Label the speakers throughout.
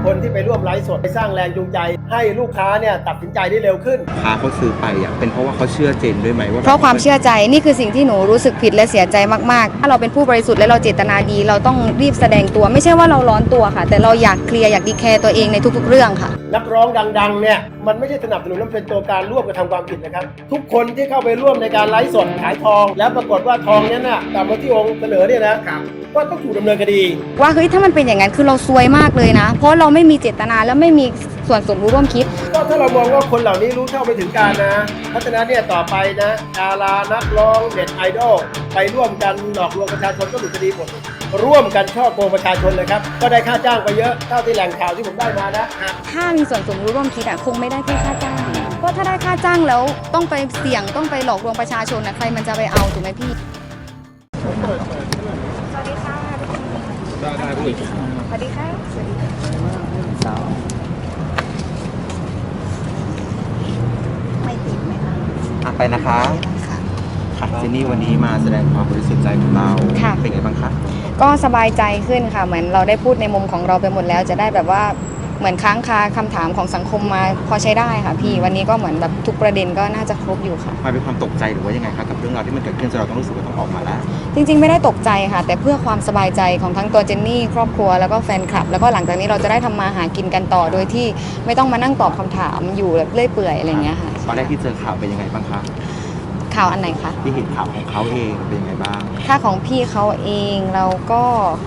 Speaker 1: คนที่ไปร่วมไลฟ์สดไปสร้างแรงจูงใจให้ลูกค้าเนี่ยตัดสินใจได้เร็วขึ้น
Speaker 2: ค้าเขาซื้อไปเป็นเพราะว่าเขาเชื่อเจนด้วยไหมว่า
Speaker 3: เพราะความเชื่อใจนี่คือสิ่งที่หนูรู้สึกผิดและเสียใจมากๆถ้าเราเป็นผู้บริสุทธิ์และเราเจตนาดีเราต้องรีบแสดงตัวไม่ใช่ว่าเราร้อนตัวค่ะแต่เราอยากเคลียร์อยากดีแคร์ตัวเองในทุกๆเรื่องค่ะ
Speaker 1: นักร้องดังๆเนี่ยมันไม่ใช่สนับสนุนและเป็นตัวการร่วมกระทำความผิดนะครับทุกคนที่เข้าไปร่วมในการไลฟ์สดขายทองแล้วปรากฏว่าทองนั้นน่ะกลับมาที่องค์เสนอเนี่ยนะก็ต้องถูกดำเนินคดี
Speaker 3: ว่าเฮ้ยถ้ามันเป็นอย่างนั้นคือเราซวยมากเลยนะเพราะเราไม่มีเจตนาและไม่มีส่วนสมรู้ร่วมคิด
Speaker 1: ก็ถ้าเรามองว่าคนเหล่านี้รู้เท่าไม่ถึงการนะเพราะฉะนั้นเนี่ยต่อไปนะดารานักร้องเน็ตไอดอลไปร่วมกันหลอกลวงประชาชนก็ถูกคดีหมดร่วมกันช่อโกงประชาชนเลยครับก็ได้ค่าจ้างไปเยอะเท่าที่แหล่งข่าวที่ผมได้มานะ
Speaker 3: ถ้ามีส่วนสมรู้ร่วมคิดคงไม่ได้แค่ค่าจ้างเพราะถ้าได้ค่าจ้างแล้วต้องไปเสี่ยงต้องไปหลอกลวงประชาชนใครมันจะไปเอาถูกไหมพี่สวัสดีค่ะ
Speaker 2: ได้ผู้หญิง
Speaker 3: สวัสดีค่ะสวัสดีค่ะไม่ติดไหมคะ
Speaker 2: ไปนะคะค่ะเจนนี่วันนี้มาแสดงความบริสุทธิ์ใจของเราเป็นไงบ้างคะ
Speaker 3: ก็สบายใจขึ้นค่ะเหมือนเราได้พูดในมุมของเราไปหมดแล้วจะได้แบบว่าเหมือนค้างคาคำถามของสังคมมาพอใช้ได้ค่ะพี่วันนี้ก็เหมือนแบบทุกประเด็นก็น่าจะครบอยู่ค่ะ
Speaker 2: มันเป็นความตกใจหรือว่ายังไงคะกับเรื่องราวที่มันเกิดขึ้นจนเราต้องรู้สึกว่าต้องออกมาแล้ว
Speaker 3: จริงๆไม่ได้ตกใจค่ะแต่เพื่อความสบายใจของทั้งตัวเจนนี่ครอบครัวแล้วก็แฟนคลับแล้วก็หลังจากนี้เราจะได้ทำมาหากินกันต่อโดยที่ไม่ต้องมานั่งตอบคำถามอยู่แบบเลื่อยเปื่อยอะไรอย่างเงี้ยค่ะ
Speaker 2: ตอนแรกที่เจอข่าวเป็นยังไงบ้างคะ
Speaker 3: ข่าวอันไหนคะ
Speaker 2: ที่เห็นข่าวของเขาเองเป็นยังไงบ้าง
Speaker 3: ถ้าของพี่เขาเองเราก็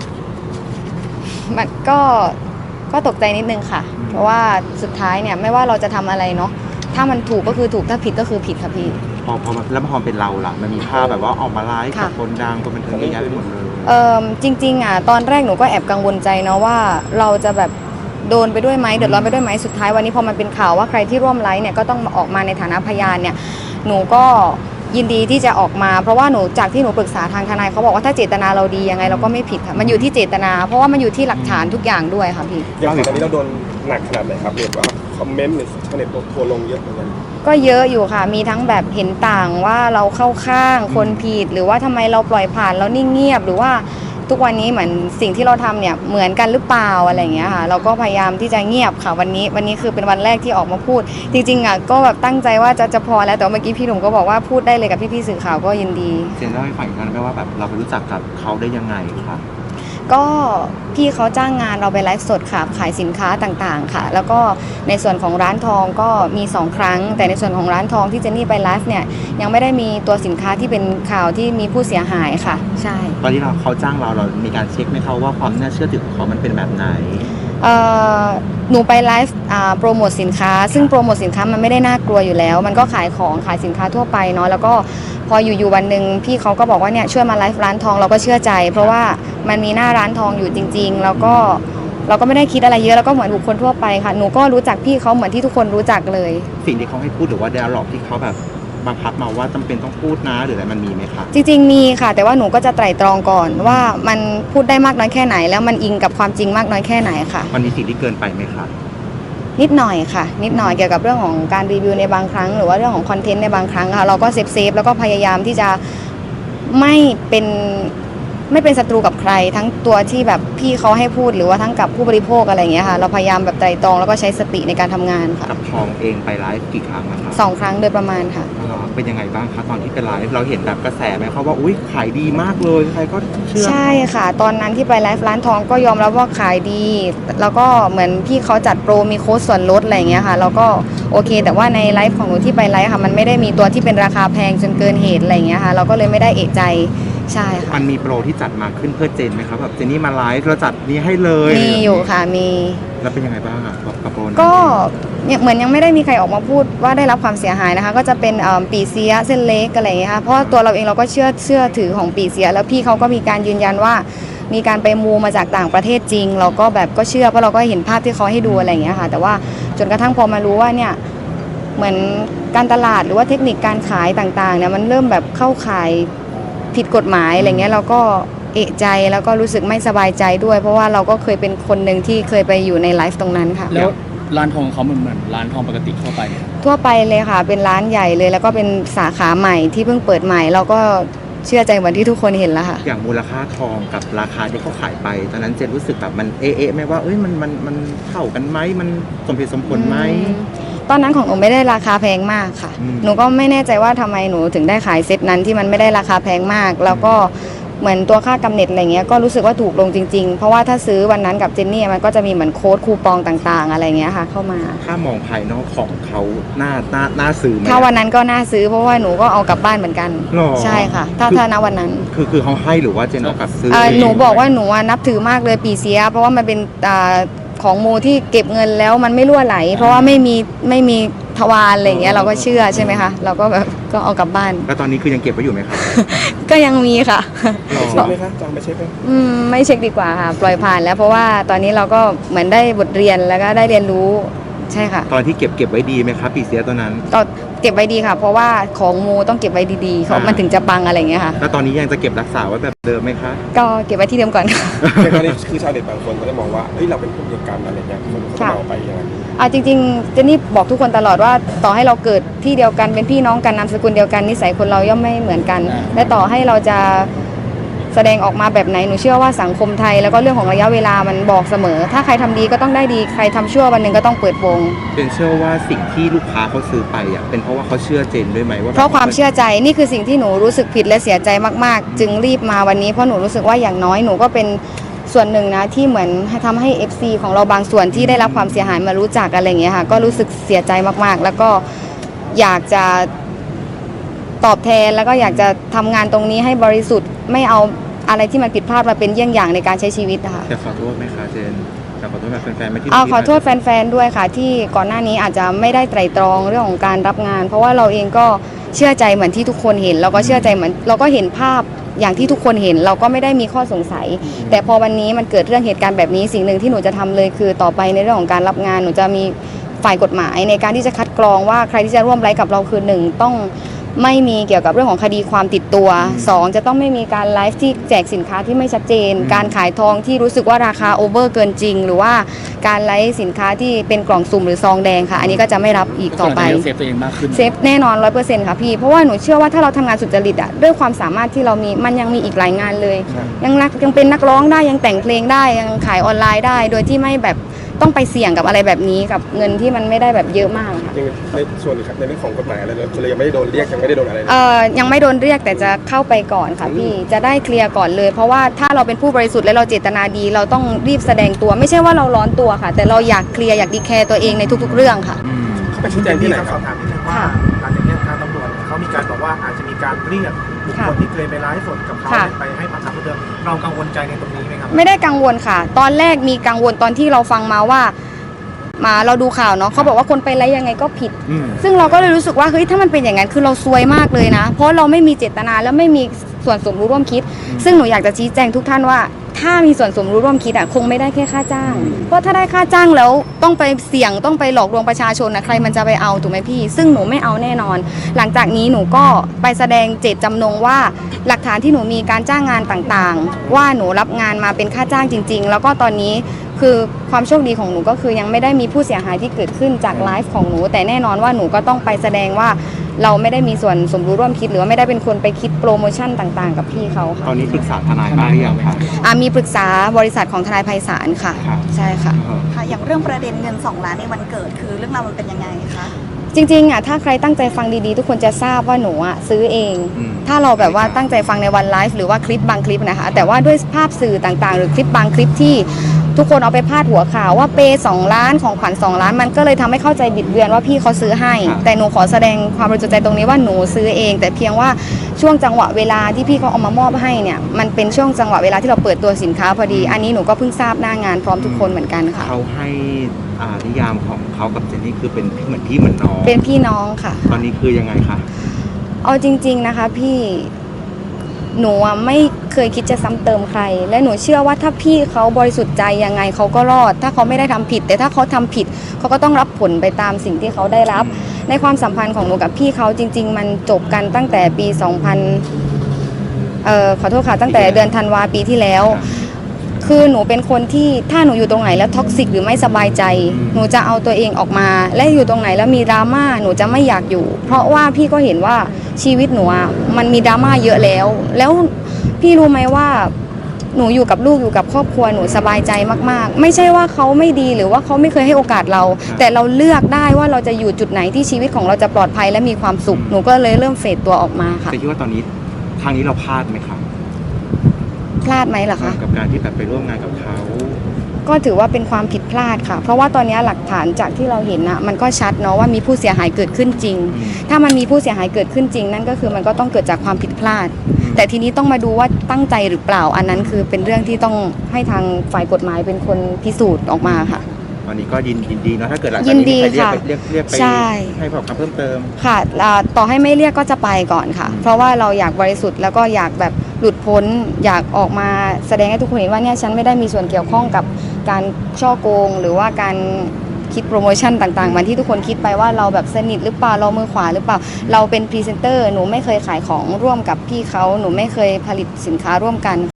Speaker 3: มันก็ตกใจนิดนึงค่ะเพราะว่าสุดท้ายเนี่ยไม่ว่าเราจะทำอะไรเนาะถ้ามันถูกก็คือถูกถ้าผิดก็คือผิดค่ะพี่
Speaker 2: แล้วพอเป็นเราล่ะมันมีภาพแบบว่าออกมาไลฟ์กับคนดังคนบันเทิงเยอะแยะไปหมดเลย
Speaker 3: จริงๆตอนแรกหนูก็แอบกังวลใจเนาะว่าเราจะแบบโดนไปด้วยไหมเดือดร้อนไปด้วยไหมสุดท้ายวันนี้พอมันเป็นข่าวว่าใครที่ร่วมไลฟ์เนี่ยก็ต้องออกมาในฐานะพยานเนี่ยหนูก็ยินดีที่จะออกมาเพราะว่าหนูจากที่หนูปรึกษาทางทนายเขาบอกว่าถ้าเจตนาเราดียังไงเราก็ไม่ผิดค่ะมันอยู่ที่เจตนาเพราะว่ามันอยู่ที่หลักฐานทุกอย่างด้วยค่ะพี่
Speaker 4: อย่างตอนนี้เราโดนหนักขนาดไหนครับเรียกว่าคอมเมนต์หรือชาวเน็ตทัวลงเยอะเหมือนกัน
Speaker 3: ก็เยอะอยู่ค่ะมีทั้งแบบเห็นต่างว่าเราเข้าข้างคนผิดหรือว่าทำไมเราปล่อยผ่านแล้วนิ่งเงียบหรือว่าทุกวันนี้เหมือนสิ่งที่เราทำเนี่ยเหมือนกันหรือเปล่าอะไรอย่างเงี้ยค่ะเราก็พยายามที่จะเงียบค่ะวันนี้คือเป็นวันแรกที่ออกมาพูดจริงๆก็แบบตั้งใจว่าจะพอแล้วแต่เมื่อกี้พี่หนุ่มก็บอกว่าพูดได้เลยกับพี่สื่อข่าวก็ยินดี
Speaker 2: เจนเล่าให้ฟังอีกครั้งได้ว่าแบบเราไปรู้จักกับเขาได้ยังไงคะ
Speaker 3: ก็พี่เขาจ้างงานเราไปไลฟ์สดค่ะขายสินค้าต่างๆค่ะแล้วก็ในส่วนของร้านทองก็มี2ครั้งแต่ในส่วนของร้านทองที่เจนนี่ไปไลฟ์เนี่ยยังไม่ได้มีตัวสินค้าที่เป็นข่าวที่มีผู้เสียหายค่ะใช่
Speaker 2: ตอนที่เขาจ้างเรามีการเช็คไหมคะว่าความน่าเชื่อถือของเขามันเป็นแบบไหน
Speaker 3: หนูไปไลฟ์โปรโมทสินค้าซึ่งโปรโมทสินค้ามันไม่ได้น่ากลัวอยู่แล้วมันก็ขายของขายสินค้าทั่วไปเนาะแล้วก็พออยู่วันหนึ่งพี่เขาก็บอกว่าเนี่ยช่วยมาไลฟ์ร้านทองเราก็เชื่อใจเพราะว่ามันมีหน้าร้านทองอยู่จริงๆแล้วก็เราก็ไม่ได้คิดอะไรเยอะแล้วก็เหมือนบุคคลทั่วไปค่ะหนูก็รู้จักพี่เขาเหมือนที่ทุกคนรู้จักเลย
Speaker 2: สิ่งที่เขาให้พูดหรือว่าไดอะล็อกที่เขาแบบบังคับมาว่าจำเป็นต้องพูดนะหรืออะไรมันมีไหมคะ
Speaker 3: จริงๆมีค่ะแต่ว่าหนูก็จะไตร่ตรองก่อนว่ามันพูดได้มากน้อยแค่ไหนแล้วมันอิงกับความจริงมากน้อยแค่ไหนค่ะ
Speaker 2: มันมีสิ่งที่เกินไปไหมคะ
Speaker 3: นิดหน่อยค่ะนิดหน่อยเกี่ยวกับเรื่องของการรีวิวในบางครั้งหรือว่าเรื่องของคอนเทนต์ในบางครั้งค่ะเราก็เซฟแล้วก็พยายามที่จะไม่เป็นศัตรูกับใครทั้งตัวที่แบบพี่เขาให้พูดหรือว่าทั้งกับผู้บริโภคอะไรอย่างเงี้ยค่ะเราพยายามแบบไตร่ตรองแล้วก็ใช้สติในการทำงานค่ะ
Speaker 2: กับทองเองไปไลฟ์กี่ครั้งนะคะ
Speaker 3: 2 ครั้งโดยประมาณค่ะ
Speaker 2: เป็นยังไงบ้างคะตอนที่ไปไลฟ์เราเห็นแบบกระแสไหมเขาว่าอุ้ยขายดีมากเลยใครก็เชื่อ
Speaker 3: ใช่ค่ะตอนนั้นที่ไปไลฟ์ร้านทองก็ยอมรับว่าขายดีแล้วก็เหมือนพี่เขาจัดโปรมีโค้ดส่วนลดอะไรอย่างเงี้ยค่ะแล้วก็โอเคแต่ว่าในไลฟ์ของหนูที่ไปไลฟ์ค่ะมันไม่ได้มีตัวที่เป็นราคาแพงจนเกินเหตุอะไรอย่างเงี้ยค่ะเราก็เลยไม่ได้เอะใจใช่ค่ะ
Speaker 2: มันมีโปรที่จัดมาขึ้นเพื่อเจนไหมครับแบบเจนนี่มาไลฟ์เราจัดนี้ให้เลย
Speaker 3: มีอยู่ค่ะมี
Speaker 2: แล้วเป็นยังไงบ้างอ่ะกับโปร
Speaker 3: ก็เหมือนยังไม่ได้มีใครออกมาพูดว่าได้รับความเสียหายนะคะก็จะเป็นปีเสียเส้นเล็กอะไรอย่างเงี้ยค่ะเพราะตัวเราเองเราก็เชื่อถือของปีเสียแล้วพี่เขาก็มีการยืนยันว่ามีการไปมูมาจากต่างประเทศจริงเราก็แบบก็เชื่อเพราะเราก็เห็นภาพที่เขาให้ดูอะไรอย่างเงี้ยค่ะแต่ว่าจนกระทั่งพอมารู้ว่าเนี่ยเหมือนการตลาดหรือว่าเทคนิคการขายต่างๆเนี่ยมันเริ่มแบบเข้าขายผิดกฎหมายอะไรเงี้ยเราก็เอะใจแล้วก็รู้สึกไม่สบายใจด้วยเพราะว่าเราก็เคยเป็นคนหนึ่งที่เคยไปอยู่ในไลฟ์ตรงนั้นค่ะ
Speaker 4: แล้วร้านทองเขาเหมือนร้านทองปกติทั่วไป
Speaker 3: ทั่วไปเลยค่ะเป็นร้านใหญ่เลยแล้วก็เป็นสาขาใหม่ที่เพิ่งเปิดใหม่เราก็เชื่อใจเหมือนที่ทุกคนเห็นแล้วค่ะ
Speaker 2: อย่างมูลค่าทองกับราคาที่เขาขายไปตอนนั้นเจนรู้สึกแบบมันเอ๊ะไหมว่าเอ้ยมันเท่ากันไหมมันสมเหตุสมผลไหม
Speaker 3: ตอนนั้นของหนูไม่ได้ราคาแพงมากค่ะ หนูก็ไม่แน่ใจว่าทำไมหนูถึงได้ขายเซตนั้นที่มันไม่ได้ราคาแพงมาก แล้วก็เหมือนตัวค่ากำเนิดอะไรเงี้ยก็รู้สึกว่าถูกลงจริงๆเพราะว่าถ้าซื้อวันนั้นกับเจนนี่มันก็จะมีเหมือนโค้ดคูปองต่างๆ อะไรเงี้ยค่ะเข้ามา
Speaker 2: ถ้ามองภายนอกของเขาน่าซื้อไหม
Speaker 3: ถ้าวันนั้นก็น่าซื้อเพราะว่าหนูก็เอากลับบ้านเหมือนกัน
Speaker 2: หรอ
Speaker 3: ใช่ค่ะ ถ้าณวันนั้น
Speaker 2: คือเขาให้หรือว่าเจนเอากลับซื้อ
Speaker 3: หนูบอกว่าหนูนับถือมากเลยปีเสีย เพราะว่ามันเป็นของมูที่เก็บเงินแล้วมันไม่รั่วไหล เพราะว่าไม่มีทวารอะไรอย่างเงี้ยเราก็เชื่อใช่ไหมคะเราก็แบบก็เอากลับบ้าน
Speaker 2: แล้วตอนนี้คือยังเก็บไว้อยู่ไหมครับ
Speaker 3: ก็ยังมีค่ะ
Speaker 4: เช็คไหมคะจองไปเช็คไหม
Speaker 3: ไม่เช็คดีกว่าค่ะปล่อยผ่านแล้วเพราะว่าตอนนี้เราก็เหมือนได้บทเรียนแล้วก็ได้เรียนรู้ใช่ค่ะ
Speaker 2: ตอนที่เก็บไว้ดีไหมครับปีเสียตอนนั้น
Speaker 3: ก็เก็บไว้ดีค่ะ เพราะว่าของมูต้องเก็บไว้ดีๆเขามันถึงจะปังอะไรอย่างเงี้ยค่ะ
Speaker 2: แล้วตอนนี้ยังจะเก็บรักษาไว้แบบเดิมไหมคะ
Speaker 3: ก็เก็บไว้ที่เดิมก่อนค่ะ
Speaker 4: ในกรณีคือชาวเน็ตบางคนก็จะมองว่าเฮ้ยเราเป็นผู้เดียวกันอะไรเงี้ยคนเขาจะมองไปอย่างนั้น
Speaker 3: จริงๆเจนนี่บอกทุกคนตลอดว่าต่อให้เราเกิดที่เดียวกันเป็นพี่น้องกันนามสกุลเดียวกันนิสัยคนเราย่อมไม่เหมือนกัน และต่อให้เราจะแสดงออกมาแบบไหนหนูเชื่อว่าสังคมไทยแล้วก็เรื่องของระยะเวลามันบอกเสมอ ถ้าใครทำดีก็ต้องได้ดีใครทำชั่ววันหนึ่งก็ต้องเปิดวง
Speaker 2: เจนเชื่อว่าสิ่งที่ลูกค้าเขาซื้อไปอ่ะเป็นเพราะว่าเขาเชื่อเจนด้วยไหมว่า
Speaker 3: เพราะความเชื่อใจนี่คือสิ่งที่หนูรู้สึกผิดและเสียใจมากๆ จึงรีบมาวันนี้เพราะหนูรู้สึกว่าอย่างน้อยหนูก็เป็นส่วนหนึ่งนะที่เหมือนทำให้ FC ของเราบางส่วนที่ได้รับความเสียหายมารู้จักอะไรอย่างเงี้ยค่ะก็รู้สึกเสียใจมากๆ แล้วก็อยากจะตอบแทนแล้วก็อยากจะทำงานตรงนี้ให้บริสุทธิ์ไม่เอาอะไรที่มันผิดพลาดมาเป็นเยี่ยงอย่างในการใช้ชีวิตนะคะ
Speaker 2: จะขอโทษไหมคะเจนจะขอโทษแบบแฟนๆไหมที่
Speaker 3: ขอโทษแฟนๆด้วยค่ะที่ก่อนหน้านี้อาจจะไม่ได้ไตร่ตรองเรื่องของการรับงาน เพราะว่าเราเองก็เชื่อใจเหมือนที่ทุกคนเห็นเราก็เชื่อใจเหมือนเราก็เห็นภาพอย่างที่ทุกคนเห็นเราก็ไม่ได้มีข้อสงสัย แต่พอวันนี้มันเกิดเรื่องเหตุการณ์แบบนี้สิ่งหนึ่งที่หนูจะทำเลยคือต่อไปในเรื่องของการรับงานหนูจะมีฝ่ายกฎหมายในการที่จะคัดกรองว่าใครที่จะร่วมไลฟ์กับเราคือ1ต้องไม่มีเกี่ยวกับเรื่องของคดีความติดตัว2จะต้องไม่มีการไลฟ์ที่แจกสินค้าที่ไม่ชัดเจน การขายทองที่รู้สึกว่าราคาโอเวอร์เกินจริง หรือว่าการไลฟ์สินค้าที่เป็นกล่องสุ่มหรือซองแดงค่ะอันนี้ก็จะไม่รับอีกต่อไป
Speaker 5: เซฟตัวเองมากขึ้น
Speaker 3: เซฟแน่นอน 100%ค่ะพี่เพราะว่าหนูเชื่อว่าถ้าเราทำงานสุจริตอะด้วยความสามารถที่เรามีมันยังมีอีกหลายงานเลย ยังเป็นนักร้องได้ยังแต่งเพลงได้ยังขายออนไลน์ได้ โดยที่ไม่แบบต้องไปเสี่ยงกับอะไรแบบนี้กับเงินที่มันไม่ได้แบบเยอะมากค่ะ
Speaker 4: ยังในส่วนครับในเรื่องของกฎหมายอะไรเลยคือเรายังไม่ได้โดนเรียกยังไม่ได้โดนอะไรเลย
Speaker 3: ยังไม่โดนเรียกแต่จะเข้าไปก่อนค่ะพี่จะได้เคลียร์ก่อนเลย เพราะว่าถ้าเราเป็นผู้บริสุทธิ์และเราเจตนาดี เราต้องรีบแสดงตัว ไม่ใช่ว่าเราร้อนตัวค่ะ แต่เราอยากเคลียร์อยากดีแคร์ตัวเองในทุกๆเรื่องค่ะ
Speaker 4: เขาไปชี้แจงที่ไหนค
Speaker 6: ส
Speaker 4: รั
Speaker 6: อ
Speaker 4: บบ
Speaker 6: ถามนิดนึงว่าหลังจากนี้ทางตำรวจเขามีการบอกว่าอาจจะมีการเรียกบุคคลที่เคยไปไลฟ์สดกับเขาไปให้ปากคำเพิ่มเติมเรากังวลใจในตรงนี้ไหมครับ
Speaker 3: ไม่ได้กังวลค่ะ ตอนแรกมีกังวลตอนที่เราฟังมาว่าเราดูข่าวเนาะเขาบอกว่าคนไปไลฟ์ยังไงก็ผิด ซึ่งเราก็เลยรู้สึกว่าเฮ้ยถ้ามันเป็นอย่างนั้นคือเราซวยมากเลยนะ เพราะเราไม่มีเจตนาและไม่มีส่วนสมรู้ร่วมคิด ซึ่งหนูอยากจะชี้แจงทุกท่านว่าถ้ามีส่วนสมรู้ร่วมคิดคงไม่ได้แค่ค่าจ้าง เพราะถ้าได้ค่าจ้างแล้วต้องไปเสี่ยงต้องไปหลอกลวงประชาชนนะใครมันจะไปเอาถูกไหมพี่ ซึ่งหนูไม่เอาแน่นอน หลังจากนี้หนูก็ไปแสดงเจตจำนงว่าหลักฐานที่หนูมีการจ้างงานต่างๆ ว่าหนูรับงานมาเป็นค่าจ้างจริง ๆ แล้วก็ตอนนี้คือความโชคดีของหนูก็คือยังไม่ได้มีผู้เสียหายที่เกิดขึ้นจากไลฟ์ของหนูแต่แน่นอนว่าหนูก็ต้องไปแสดงว่าเราไม่ได้มีส่วนสมรู้ร่วมคิดหรือว่าไม่ได้เป็นคนไปคิดโปรโมชั่นต่างๆ กับพี่เขา
Speaker 2: ตอ
Speaker 3: ค่ะ
Speaker 2: นนี้ปรึกษาทนายบ้างหรือยังคะ
Speaker 3: มีปรึกษาบริษัทของทนายไพศาลค่ะ
Speaker 2: ครับ
Speaker 3: ใช่ค่ะ
Speaker 7: ค่ะอย่างเรื่องประเด็นเงิน2 ล้านในวันเกิดคือเรื่องราวมันเป็นยังไงคะ
Speaker 3: จริงๆถ้าใครตั้งใจฟังดีๆทุกคนจะทราบว่าหนูซื้อเอง ถ้าเราแบบว่าตั้งใจฟังในวันไลฟ์หรือว่าคลิปบางคลิปนะคะแต่ว่าด้วยภาพสื่อต่างๆ หรือคลิปบางคลิปที่ทุกคนเอาไปพาดหัวข่าวว่าเปย์2 ล้านของขวัญ2 ล้านมันก็เลยทำให้เข้าใจบิดเบือนว่าพี่เขาซื้อให้ แต่หนูขอแสดงความบริสุทธิ์ใจตรงนี้ว่าหนูซื้อเอง แต่เพียงว่าช่วงจังหวะเวลาที่พี่เขาเอามามอบให้เนี่ยมันเป็นช่วงจังหวะเวลาที่เราเปิดตัวสินค้าพอดีอันนี้หนูก็เพิ่งทราบหน้างานพร้อมทุกคนเหมือนกันค่ะ
Speaker 2: เขาให้นิยามของเขากับเจนนี่คือเป็นเหมือนพี่เหมือนน้อง
Speaker 3: เป็นพี่น้องค่ะ
Speaker 2: ตอนนี้คือยังไงคะ
Speaker 3: เอาจริงๆนะคะพี่หนูไม่เคยคิดจะซ้ำเติมใคร และหนูเชื่อว่าถ้าพี่เขาบริสุทธิ์ใจยังไงเขาก็รอด ถ้าเขาไม่ได้ทำผิด แต่ถ้าเขาทำผิดเขาก็ต้องรับผลไปตามสิ่งที่เขาได้รับ ในความสัมพันธ์ของหนูกับพี่เขาจริง ๆ มันจบกันตั้งแต่ปี ขอโทษค่ะตั้งแต่เดือนธันวาปีที่แล้ว คือหนูเป็นคนที่ถ้าหนูอยู่ตรงไหนแล้วท็อกซิกหรือไม่สบายใจ หนูจะเอาตัวเองออกมา และอยู่ตรงไหนแล้วมีดราม่าหนูจะไม่อยากอยู่ เพราะว่าพี่ก็เห็นว่าชีวิตหนูอะมันมีดราม่าเยอะแล้วพี่รู้ไหมว่าหนูอยู่กับลูกอยู่กับครอบครัวหนูสบายใจมากๆไม่ใช่ว่าเขาไม่ดีหรือว่าเขาไม่เคยให้โอกาสเรา แต่เราเลือกได้ว่าเราจะอยู่จุดไหนที่ชีวิตของเราจะปลอดภัยและมีความสุขหนูก็เลยเริ่มเฟดตัวออกมาค่ะ
Speaker 2: แต่คิดว่าตอนนี้ทางนี้เราพลาดไหมครับ
Speaker 3: พลาดไหมล่ะคะ
Speaker 2: กับการที่แบบไปร่วมงานกับเขา
Speaker 3: ก็ถือว่าเป็นความผิดพลาดค่ะ เพราะว่าตอนนี้หลักฐานจากที่เราเห็นนะมันก็ชัดเนาะว่ามีผู้เสียหายเกิดขึ้นจริง ถ้ามันมีผู้เสียหายเกิดขึ้นจริง นั่นก็คือมันก็ต้องเกิดจากความผิดพลาด แต่ทีนี้ต้องมาดูว่าตั้งใจหรือเปล่าอันนั้นคือเป็นเรื่องที่ต้องให้ทางฝ่ายกฎหมายเป็นคนพิสูจน์ออกมาค่ะ
Speaker 2: ตอนนี้ก็ยินดีเนาะถ้าเกิดหลัง
Speaker 3: ยิ
Speaker 2: จาก
Speaker 3: น
Speaker 2: นี้
Speaker 3: ดี
Speaker 2: มีใคร
Speaker 3: ค่ะ
Speaker 2: เรียกไป
Speaker 3: ใช่
Speaker 2: ให้ปากคำเพิ่มเติม
Speaker 3: ค่ะต่อให้ไม่เรียกก็จะไปก่อนค่ะ เพราะว่าเราอยากบริสุทธิ์แล้วก็อยากแบบหลุดพ้นอยากออกมาแสดงให้ทุกคนเห็นว่าเนี่ยฉันไม่ได้มีส่วนเกี่ยวข้องกับการช่อโกง หรือว่าการคิดโปรโมชั่นต่างๆเหมือนที่ทุกคนคิดไปว่าเราแบบสนิทหรือเปล่าเรามือขวาหรือเปล่าเราเป็นพรีเซนเตอร์หนูไม่เคยขายของร่วมกับพี่เขาหนูไม่เคยผลิตสินค้าร่วมกัน